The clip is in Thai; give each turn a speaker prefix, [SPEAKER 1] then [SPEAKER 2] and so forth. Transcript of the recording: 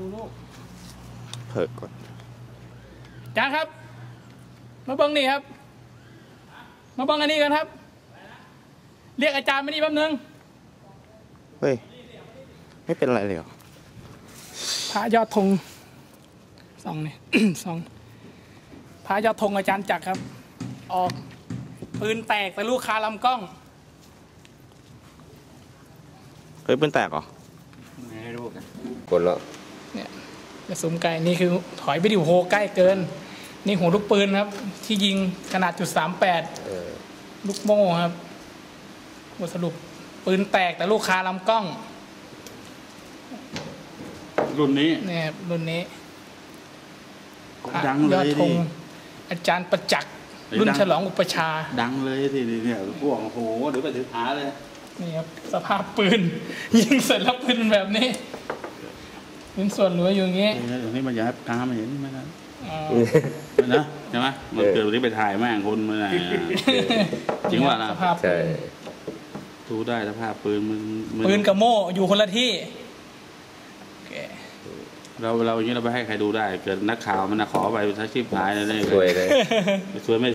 [SPEAKER 1] ลูก
[SPEAKER 2] เพิกก่อน
[SPEAKER 1] อาจารย์ครับมาเบิ้งนี่ครับมาเบิ้งอันนี้กันครับเรียกอาจารย์มานี่แป๊บนึง
[SPEAKER 2] เฮ้ยไม่เป็นไรเลยเหรอ
[SPEAKER 1] พระยอดธงสองนี่ สองพระยอดธงอาจารย์จักรครับออกปืนแตกแต่ลูกคาลำกล้อง
[SPEAKER 2] เฮ้ยปืนแตกเหรอ
[SPEAKER 3] ไม่รู้กันกดแล้ว
[SPEAKER 1] เนี่ยกระสุนไกลนี่คือถอยไปดิวโฮใกล้เกินนี่หัวลูกปืนครับที่ยิงขนาด.38ลูกโม่ครับบทสรุปปืนแตกแต่ลูกคาลำกล้อง
[SPEAKER 3] รุ่นนี้
[SPEAKER 1] เนี่ยรุ่นนี้
[SPEAKER 3] ดังเลยดิ
[SPEAKER 1] อาจารย์ประจักษ์รุ่นฉลองอุปชา
[SPEAKER 3] ดังเลยทีเนี่ยพวกโอ้โหเดี๋ยวไปถือหาเลย
[SPEAKER 1] นี่ครับสภาพปืนยิงเสร็จแล้วปืนแบบนี้เป็นส่วนเหลืออยู่อย่างนี้
[SPEAKER 3] อย่างนี้มันอยากให้ตามเห็นไหมนะนะใช่ไหมมันเกิดวันนี้ไปถ่ายแม่งคนมาจริงว่านะ
[SPEAKER 2] ใช่
[SPEAKER 3] ดูได้สภาพปืนมัน
[SPEAKER 1] ปืนกับโม่อยู่คนละที่
[SPEAKER 3] เราอย่างนี้เราไปให้ใครดูได้เกิดนักข่าวมันขอไปใช้ชีพหายอะไรเลยช่วยไม่